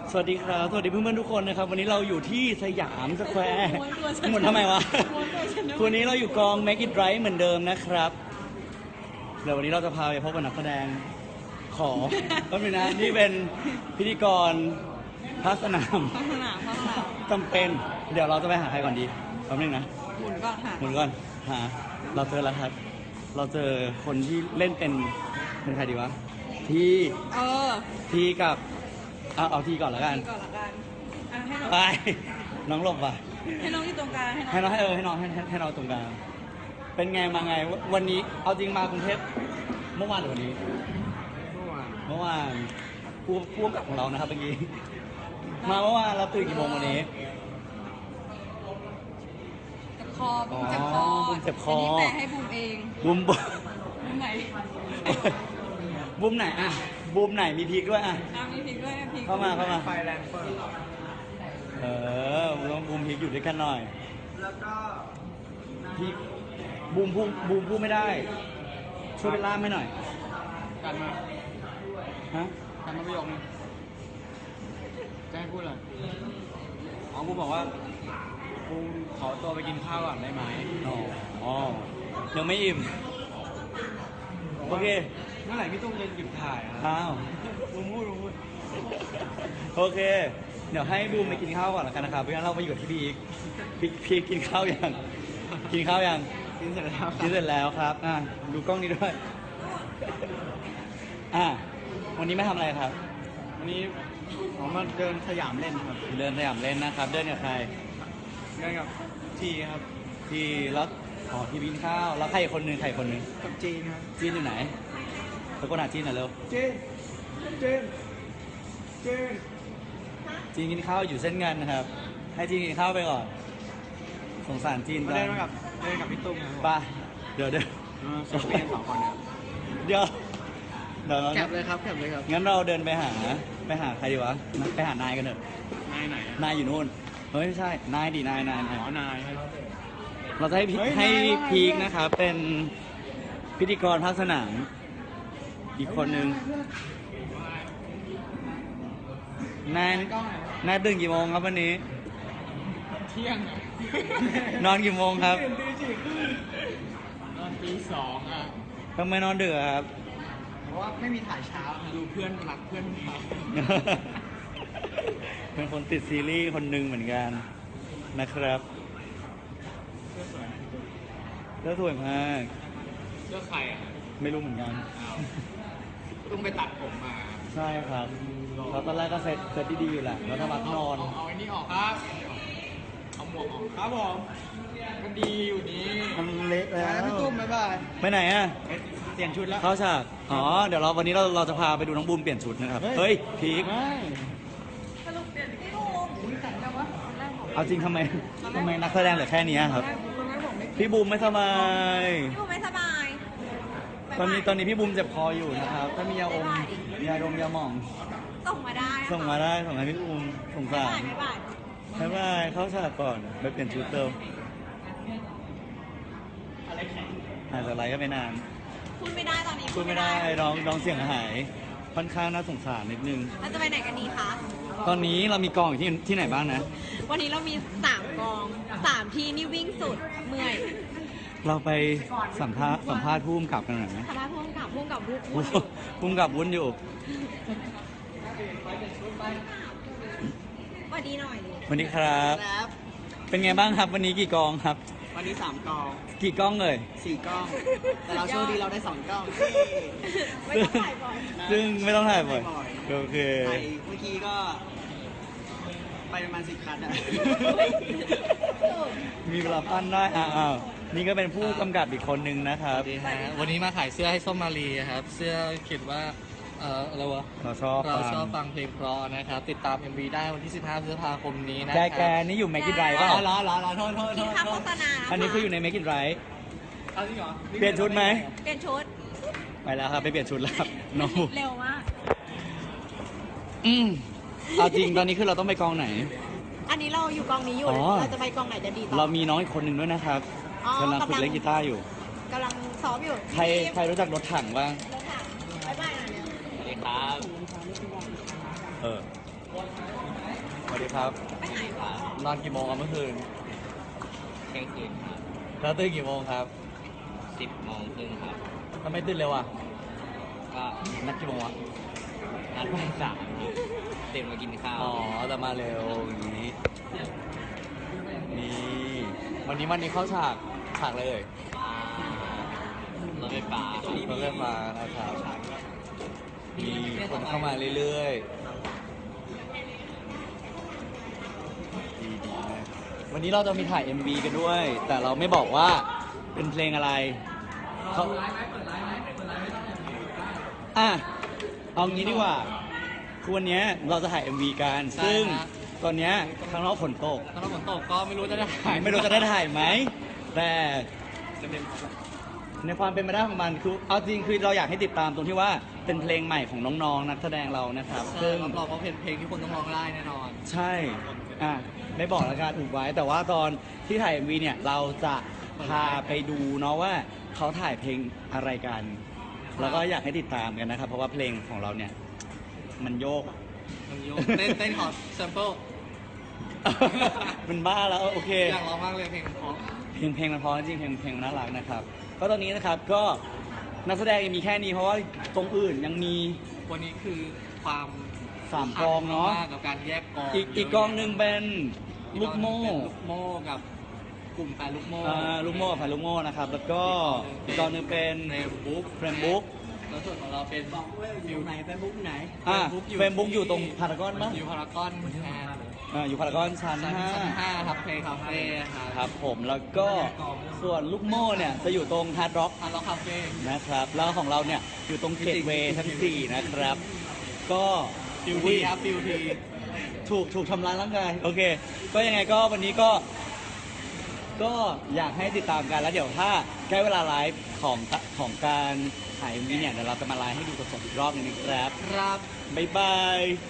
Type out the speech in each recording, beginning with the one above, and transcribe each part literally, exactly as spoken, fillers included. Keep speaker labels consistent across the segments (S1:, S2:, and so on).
S1: สวัสดีครับสวัสดีเพื่อนๆทุกคนนะครับวันนี้เราอยู่ที่สยามสแควร์หมดทำไมวะวันนี้เราอยู่กอง Make It Right เหมือนเดิมนะครับเดี๋ยววันนี้เราจะพาไปพบกับนักแสดงขอก็มีนะนี่เป็นพิธีกรภาคสนาม
S2: พัฒนาพัฒนา
S1: จำเป็นเดี๋ยวเราจะไปหาใครก่อนดีแป๊บนึงนะ
S2: หมุนก่อนค่ะ
S1: หมุนก่อนหาเราเจอแล้วครับ เราเจอคนที่เล่นเป็นเป็นใครดีวะที่
S2: เออ
S1: ที่กับเอาเอาที่ก่อนแล้วกัน
S2: ก่อนละกันอ่ะให้น้อง
S1: ไปน้องหลบว่ะ
S2: ให้น้องอยู่ตรงกลางให้น้อง
S1: ให้น้องให้เออให้น้องให้ให้ให้น้องตรงกลางเป็นไงมาไงวันนี้เอาจริงมากรุงเทพเมื่อวานหรือวันนี้
S3: เมื่อวาน
S1: เมื่อวานผู้ผู้กำกับของเรานะครับเมื่อกี้มาเมื่อวานเราตื่นกี่โมงวันนี้
S2: เจ็บคอบุ้มเจ็บคอ
S1: อ๋อบุ้มเจ็บคอ
S2: นนี้แปลให้บุ้มเอง
S1: บูมบูม
S2: บุ้มไหน
S1: บูมไหนอ่ะบูมไหนมีพริกด้วยอ่ะ
S2: อ่ะมีพริกด้วยพริก
S1: เข้ามาเข้ามา
S3: ไฟแรงเฟิร์
S1: เออต้องบูมพริกอยู่ด้วยกันหน่อย
S3: แล้วก็
S1: พริกบูมพูดบูมพูดไม่ได้ ช่วยเป็นล่ามให้หน่อย
S3: กันมา
S1: ฮะ
S3: กันมาประโยคนึงจะให้พูดอะไรอ๋อกูบอกว่ากูขอตัวไปกินข้าวก่อนได้ไหม
S1: อ๋ออ๋อยังไม่อิ่มโอเค
S3: เมื่อไหร่พี่ตุ้มจะหยุดถ่ายอ่ะ
S1: อ้าว
S3: มึงพูดมึงพูด
S1: โอเค เดี๋ยวให้บูมไปกินข้าวก่อนแล้วกันนะครับเพราะงั้นเราไปอยู่กับที่พีคพีคพีคกินข้าวยังกินข้าวยัง
S3: กินเสร็จแล้ว
S1: กินเสร็จแล้วครับอ่ะดูกล้องนี้ด้วยอ่ะวันนี้ไม่ทำอะไรครับ
S3: วันนี้ผมมาเดินสยามเล่นครับ
S1: เดินสยามเล่นนะครับ เดินกับใคร
S3: เดินกับทีครับ
S1: ที่แล้วอ๋อที่กินข้าวแล้วใครอีกคนนึงใครอีกคนนึง
S3: กับจีนครับ
S1: จีนอยู่ไหนตะโกนหาจีนหน่อยเร็ว
S3: จีนจีนจีน
S1: จีนกินข้าวอยู่เส้นเงินนะครับ ให้จีนกินข้าวไปก่อนสงสารจีน
S3: มา
S1: จั
S3: เดิน
S1: ง
S3: มากับเดินกับพี่ตุ้มครับ
S1: ไปเดี๋ยวเดี๋ยว
S3: เซลฟี่กันสองคนครับ
S1: เดี๋ยวเดี๋ยวเรา
S3: แคปเลยครับแคปเลยครับ
S1: งั้นเราเดินไปหาไปหาใครดีวะไปหานายกันเถอะ
S3: นายไหนอะ
S1: นายอยู่นู่นเฮ้ยไม่ใช่นายดีนายนายนาย
S3: อ๋อนายครับ
S1: เราจะให้พี
S3: เฮ้ย
S1: ให้
S3: นายว่าไง
S1: พีคนะครับเป็นพิธีกรภาคสนามอีกคนนึงนายนายตื่นกี่โมงครับวันนี้
S3: เที่ยงอะ
S1: นอนกี่โมงครับ
S3: ตอนตีสองอ่ะ
S1: ทำไมนอนดึกอะครับ
S3: เพราะว่าไม่มีถ่ายเช้าครับดูเพื่อนรักเพื่อนครับ
S1: เป็นคนติดซีรีส์คนหนึ่งเหมือนกันนะครับ
S3: เพื่อนสวย
S1: เลือสวยมาก
S3: เลือกใครอ่ะ
S1: ไม่รู้เหมือนกัน
S3: อ้าวตุ้มไปตัดผมมา
S1: ใช่ครับเราตอนแรกก็เซตเซตดีๆอยู่แหละแล้วถ้ามักนอน
S3: เอาเอาไอ้นี่ออกครับเอาหมวกออกครับผมก็ดีอยู่นี่
S1: มันเละแล้ว
S3: พี่ตุ้มบ๊ายบาย
S1: ไปไหนอ่ะ
S3: เปลี่ยนชุดแล้ว
S1: เข้าฉากอ๋อเดี๋ยวเราวันนี้เราเราจะพาไปดูน้องบูมเปลี่ยนชุดนะครับเฮ้ยพีค
S3: ไม่
S2: สรุปเปลี่ยนพี่บูมอุ้ยแต่แต่ว่าตอนแรกบอก
S1: เอาจริงทำไมทำไมนักแสดงเหลือแค่นี้ครับ
S2: ตอนแรกบอกไม่
S1: พี่บูมไม่สบาย
S2: พี่บูมไม่สบาย
S1: ตอนนี้ตอนนี้พี่บูมเจ็บคออยู่นะครับถ้ามียาอมยาดมยาหม่อง
S2: ส่งมาได้
S1: ส่งมาได้ส่งให้พี่บูมสงสาร
S2: ไม่บ่าย
S1: บ๊ายบายเข้าฉากก่อนไปเปลี่ยนชุดเติมหายจากไลฟ์ก็ไม่นาน
S2: พูดไม่ได้ตอนนี้
S1: พูดไม่ได้น้องน้องเสียงหาย ค่อนข้างน่าสงสารนิดนึง
S2: เราจะไปไหนกันดีคะ
S1: ตอนนี้เรามีกองอยู่ที่ที่ไหนบ้างนะ
S2: วันนี้เรามีสามกองสามที่นี่วิ่งสุดเมื่อย
S1: เราไปสัมภาษณ์สัมภาษณ์ผู้กำกับกันหน่อยไหม
S2: ทำไมพุ่งกับพุ่งกับพุ่ง
S1: ผู้ผู้กำกับวุ้นอยู่
S2: สวัสดีหน่อยดิ
S1: สวัสดีครับ
S3: ครับ
S1: เป็นไงบ้างครับวันนี้กี่กองครับ
S3: วันนี้สามกอง
S1: กี่กล้องเลย
S3: สี่กล้อง แต่เราโชคดีเราได้สองกล้อง
S2: ไม่ต้องถ่ายบ่อย
S1: ซึ่งไม่ต้องถ่ายบ่อย
S3: ไม่บ่อย
S1: โอเค
S3: ถ่ายเมื่อกี้ก็ ไปประมาณสิบคันอะ
S1: มีเวลาปั้นได้อ้าวอ้าวนี่ก็เป็นผู้กำกับอีกคนนึงนะครับ
S4: สวัสดีฮะวันนี้มาขายเสื้อให้ส้มมารีครับ เสื้อเขียนว่า เอ่ออะไรวะ
S1: เราชอบ
S4: เรา
S1: ฟัง
S4: ชอบฟังเพลงเพราะนะครับ ติดตาม เอ็ม วี ได้วันที่ สิบห้า พฤษภาคมนี้นะค
S1: แก
S4: รับ
S1: แกนี่อยู่ Make It Right
S4: อ๋
S1: เปล่า
S4: อเหรอเหรอเหรอโทษโทษโท
S2: กิน
S4: ษ
S2: ข้าว
S4: โท
S2: โฆ
S4: ษ
S2: ษณาะ
S1: อันนี้คืออยู่ใน Make It Right
S4: เอาจริงเหรอ
S1: เปลี่ยนชุดไหม
S2: เปลี่ยนชุด
S1: ไปแล้วครับไปเปลี่ยนชุดแล้วครับน้อง
S2: เร็วมาก
S1: อืมเอาจริงตอนนี้คือเราต้องไปกองไหน
S2: อันนี้เราอยู่กองนี้อยู่
S1: อ๋อ
S2: เราจะไปกองไหนจะดีต่อ
S1: เรามีน้องอีกคนหนึ่งด้วยนะครับ
S2: อ๋อก
S1: ำลังฝึกเล่นกีตาร์อยู่
S2: กำลังซ้อมอยู่
S1: ใครใครรู้จักรถถังบ้าง
S2: รถถังบ๊ายบายหน่อยเร็ว
S4: สวัสดีครับ
S1: เออสวัสดีครับ
S2: ไปไหนคะ
S1: นอนกี่โมงครับเมื่อคืน
S3: เที่ยงคืนครับ
S1: แล้วตื่นกี่โมงครับ
S3: สิบโมงครึ่งครับ
S1: ทำไมตื่นเร็วอ่ะ
S3: ก็
S1: นัดกี่โมงวะ
S3: นัดทุ่มสามครับตื่นมากินข้าว
S1: อ๋อแต่มาเร็วอย่างนี้ นี่ วันนี้วันนี้เข้าฉาก ฉากเลย
S3: รถไฟฟ้าร
S1: ถไฟฟ้านะครับ มีคนเข้ามาเรื่อยๆ ดีดีมากวันนี้เราจะมีถ่าย เอ็ม วี กันด้วย แต่เราไม่บอกว่าเป็นเพลงอะไรเขาอ่ะ เอางี้ดีกว่าคือวันเนี้ยเราจะถ่าย เอ็ม วี กัน
S4: ใช่
S1: ซึ่ง
S4: ฮะ
S1: ตอนเนี้ยข้างนอกฝนตก
S4: ถ้าเราฝนตกก็ไม่รู้จะได้ถ่าย
S1: ไม่รู้จะได้ถ่ายไหม แต่
S3: จะเป็น
S1: ในความเป็นไปได้ของมันคือเอาจริงคือเราอยากให้ติดตามตรงที่ว่าเป็นเพลงใหม่ของน้องๆนักแสดงเรานะครับ
S4: ใช่
S1: ซึ่ง
S4: รับรองว่าเพลงเพลงที่คนต้องร้องได้แน่นอน
S1: ใช่ อ่ะ ไม่บอกแล้วกันอุบไว้ แต่ว่าตอนที่ถ่าย เอ็ม วี เนี่ย เราจะพาไปดูเนาะว่าเขาถ่ายเพลงอะไรกัน แล้วก็อยากให้ติดตามกันนะครับ เพราะว่าเพลงของเราเนี่ย มันโยก
S4: มันโยกเต้นเต้นขอแซมเปิล
S1: มันบ้าแล้ว โอเค
S4: อยากร้องมากเลยเพลงเพราะ
S1: เพลงเพลงมันเพอจริงเพลงเพลงมันน่ารักนะครับ ก็ตอนนี้นะครับก็นักแสดงยังมีแค่นี้เพราะว่าตรงอื่นยังมี
S4: วันนี้คือความ
S1: สามกองเนาะ
S4: มากกับการแยกกอง
S1: อีกอีกกองหนึ่งเป็นลูกโม่
S4: เป็นลูกโม่กับกลุ่มแฟนลูกโม่
S1: อ่าลูกโม่กับแฟนลูกโม่นะครับ แล้วก็อีกกองหนึ่งเป็น
S4: เฟรมบุ๊ก
S1: เฟรมบุ๊ก
S4: แล้วส่วนของเราเป็นฟิวไหนเฟรมบุ๊กไหน
S1: อ่าเฟรมบุ๊กอยู่ตรงพารากอนปะ
S4: อยู่พารากอนแอน
S1: อ่าอยู่พารากอนชั้น
S4: ชั้น
S1: ห้า
S4: ชั้นห้าครับเพลงคาเฟ่ครับ
S1: ครับผมแล้วก็ส่วนลูกโม่เนี่ยจะอยู่ตรงฮาร์ดร็อก
S4: ฮาร์ดร็อกคาเฟ่
S1: นะครับ แล้วของเราเนี่ยอยู่ตรงเกตเวย์ชั้นสี่นะครับ ก็
S4: ฟิวทีครับฟิวที
S1: ถูกถูกทำร้ายร่างกายโอเค ก็ยังไงก็วันนี้ก็ ก็อยากให้ติดตามกันแล้วเดี๋ยวถ้าใกล้เวลาไลฟ์ของของการถ่ายมีเนี่ยเดี๋ยวเราจะมาไลฟ์ให้ดูสดๆอีกรอบหนึงนะครับ
S4: ครับ
S1: บ๊ายบาย
S4: ไป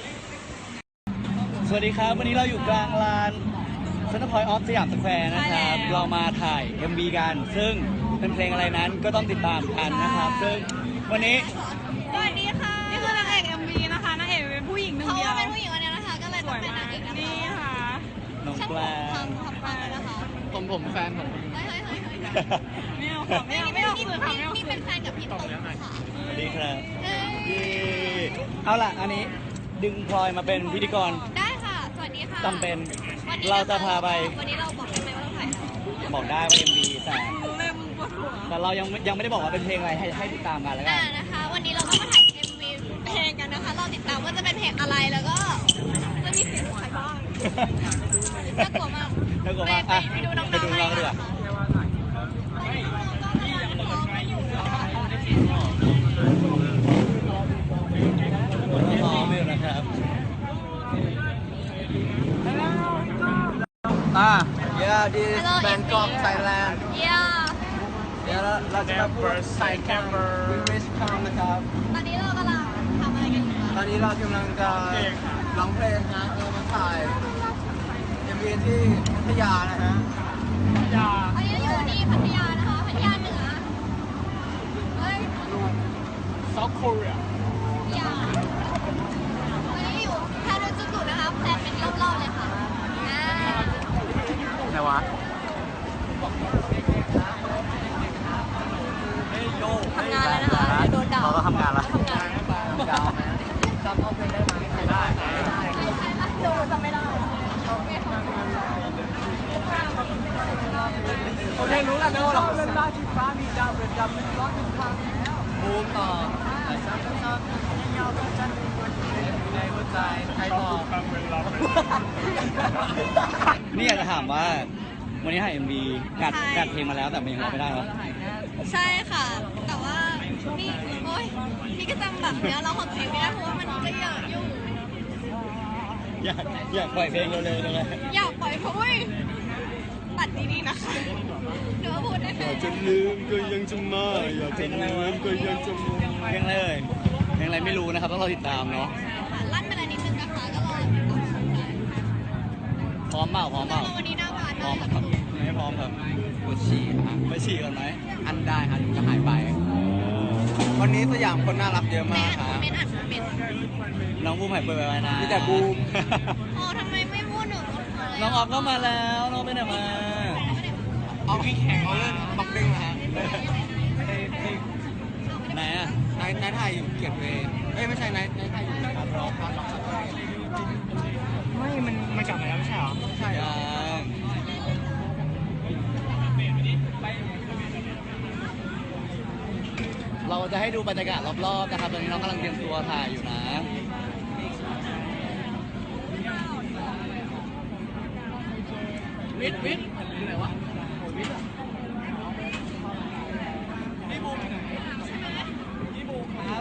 S1: สวัสดีครับ วันนี้เราอยู่กลางลานเซ็นทรัลพอยต์ออฟสยามสแควร์นะครับ เรามาถ่าย เอ็ม วี กัน ซึ่งเป็นเพลงอะไรนั้นก็ต้องติดตามกันนะครับ ซึ่งวันนี้
S2: สวัสดีค่ะ นี่คือนางเอก เอ็ม วี นะคะนางเอกเป็นผู้หญิงหนึ่ง
S5: เพราะ
S2: เดียว
S5: ว่าเป็นผู้หญิงคนนี้นะคะ ก็เลย
S2: ส
S5: ต้อ
S2: ว
S5: ง
S2: ย
S5: เป็น
S2: มาน
S5: าง
S2: ก
S5: เอกนะคะ
S2: นี่ค่ะ
S1: น้อง
S5: ช่าง
S1: แก
S5: ผ
S1: ล
S5: มทำทำปากเลยนะคะ
S4: ผมผมแฟนผม
S5: เฮ้ยเฮ้ยเฮ้ยเฮ้ย
S2: ไม่เอาค่ะไม่เอาไม่เอา
S5: นี่
S2: สื่อค่ะไม่เอา
S5: นี่
S2: สื่
S5: เป็
S2: อน
S5: แฟนกับพี่ตุ๊กค่ะ
S1: สวัสดีครับ
S5: เอ้ย
S1: เย้เอาล่ะ อันนี้ดึงพลอยมาเป็นพิธีกร
S5: ได้ค่ะ สวัสดีค่ะ
S1: จำเป็น
S5: วันนี้
S1: เราจะพาไป
S5: วันนี้เราบอกได้ไหมว่าเราถ่ายอะไร
S1: บอกได้ว่า เอ็ม วี แต่
S2: รู้เลยมึงปวดหัว
S1: แต่เรายังยังไม่ได้บอกว่าเป็นเพลงอะไรให้ให้ติดตามกันแล้วกั
S5: อ่าน นะคะ วันนี้เราก็มาถ่าย เอ็ม วี เพลงกันนะคะ เราติดตามว่าจะเป็นเพลงอะไรแล้วก็จะมีเสียงใครบ้างน่ากลัวมาก
S1: น่ากลัวมาก
S5: ไป
S1: อ่ะ
S5: ไปดูน้องๆ
S1: ไปดูน้องๆดีกว่า
S5: ตอนนี้น้องๆก็กำลังซ้อมกันอยู่นะคะ
S1: ซ้อมอยู่นะครับอ่ะ yeah this
S5: Hello,
S1: Bangkok
S5: India.
S1: Thailand
S5: เยี่ยม
S1: เดี๋ยวเราเราจะมาพูดใส่แคมเปอร์วิวิสคอมนะครับ
S5: ตอนนี้เรากำลังทำอะไรกันอยู่คะ
S1: ตอนนี้เรากำลังจะร้องเพลงนะเออมาถ่ายเอ็มวีที่พัทยานะฮะ
S5: อันนี้อยู่ที่พัทยานะคะ พัทยาเหนือ เฮ้ย
S3: South Korea
S5: พัทยาวันนี้อยู่แพนจุกุนะคะแพนเป็นรอบๆเลยค่ะอ่า
S1: ไหนวะ
S5: ทำงานแล้วนะคะเดี๋ยวโดนด่า
S1: เราก็ทำงานละ
S5: ทำงาน
S1: ยาวไหมจำเอาเพลงได้ไหมได้
S5: ใช่ใช่ไหมดูจำไม่ได้
S1: โอเครู้แล้วนะว่าเราเล่นได้ที่ฟ้ามีดาวเรือนดำเป็นร้อยเป็นพัน
S4: บูมต่อ
S1: ในหัวใจใครบอก นี่อยากจะถามว่า วันนี้ถ่าย เอ็ม วี กัดกัดเพลงมาแล้วแต่มันยังร้องไม่ได้เหรอ
S5: ใช่ค่ะ แต่ว่านี่โอ๊ยนี่ก็จำแบบเนื้อร้องของตัวเองไม่ได้เพราะว่ามันก็เยอะอยู่
S1: อยากอยากปล่อยเพลงเร็วๆเลย
S5: อยากปล่อยเพราะว่าตัดดีๆนะคะหรือว่าพูดได้แค่
S3: อยากจะลืมก็ยังจะมาอยากจะลืมก็ยังจะมา
S1: เพลงอะไรเอ่ยเพลงอะไรไม่รู้นะครับต้องรอติดตามเนาะ
S5: ลั่นไปแล้วนิดนึงนะคะก็รอติดตามชมได้
S1: พร้อมเปล่าพร้อมเปล่า
S5: แล้ววันนี้หน้าบาน
S1: พร้อ
S5: มาม ก
S1: ครับไม่พร้อมครับ
S4: ปวดฉี่ครับ
S1: ไปฉี่ก่อนไหม
S4: อันได้ครับจะหายไป วันนี้สยามคนน่ารักเยอะ
S5: ไม่
S4: มาก
S5: อ่าน
S4: ค
S5: คอ
S4: รั
S5: ม
S4: บ
S5: เมนต์อ่านคอมเมนต์
S1: น้องบูมหายป่วยไปนะ
S3: มีแต่บูม
S5: โอ้ทำไมไม่พูดหนู
S1: น้องออฟก็มาแล้วน้องไปไหนมา
S3: เอาพี่แข่งเขาเล่นบ็อกซิ่งนะฮะ
S1: ไหนอ่ะ
S3: นายนายไทยอยู่เกียรติเวย์เอ้ยไม่ใช่นายนายไทยอยู่การร้องการร้องไม่ มันมันกลับมาแล้วไม่ใช่เหรอใช่เหรอ
S1: ยังเราจะให้ดูบรรยากาศรอบๆนะครับตอนนี้น้องกำลังเตรียมตัวถ่ายอยู่นะวิทวิทอยู่ไหนวะวิทพี่บูมพี่บูมครับ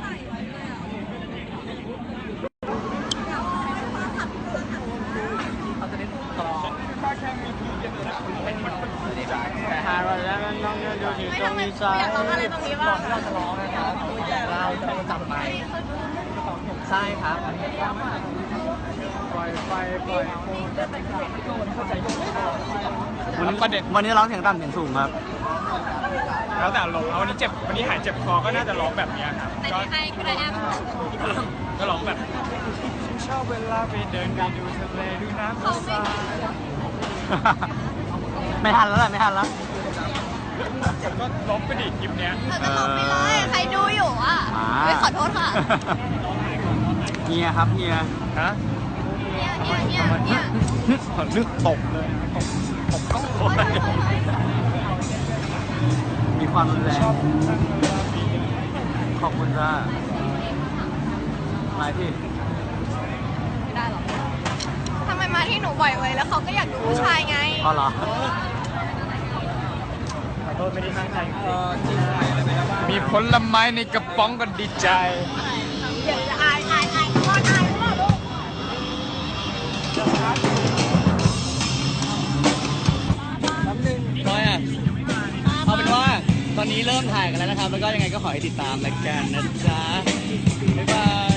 S3: แต่หาเราแล้วน้องๆดูอยู่
S5: ไม่
S3: ตร
S5: ทำ
S3: ง
S5: ไม
S3: นี้
S5: หนู
S3: ซ้าย
S5: อยากร้องอะไรตรงนี้บ้าง
S3: เราจะร้องนะครับเราจะจับไมค์ใช่ครับปล่อยไฟปล่อย
S1: วันนี้ประเด็นวันนี้ร้องเสียงต่ำเสียงสูงครับ
S6: แล้วแต่ลงเอาวันนี้เจ็บวันนี้หายเจ็บคอก็น่าจะร้องแบบเนี้ยครับ
S5: แต่
S6: ก็
S5: ที่ให้ก็ได้แอป
S6: ก็ร้องแบบฉันชอบเวลาไปเดินไปดูทะเลดูน้ำ
S5: เขาไม่
S1: ไม่ทันแล้วแหละไม่ทันแล้ว
S6: ก็ร้องไปดิคลิปเนี้ย
S5: เราจะร้องไปเลยใครดูอยู่อ่ะ
S1: อ่า
S5: ไม่ขอโทษค่ะ
S1: เฮียครับเฮีย
S6: ฮะ
S5: เนี่ยเนี่ยเนี่ยเนี่ย
S6: นึกตบเลยตบตบก็โคตร
S1: มีความรุนแรงขอบคุณจ้าอะไรพี่
S5: ไม่ได้หรอกทำไมมาที่หนูบ่อยเลยแล้วเขาก็อยากดูผู้ชายไง
S1: อ๋อเหรอ
S6: ขอโทษไม่ได้ตั้งใจ
S3: เออจริงไหมอะไรไปแล้วบ้าง
S6: มีผลไม้ในกระป๋องก็ดีใจ
S5: เดี๋ยวจะอายอายอายพ่ออายพ่อลูก
S1: ร้อยอ่ะ เอาเป็นว่าตอนนี้เริ่มถ่ายกันแล้วนะครับ แล้วก็ยังไงก็ขอให้ติดตามรายการนะจ๊ะ บ๊ายบาย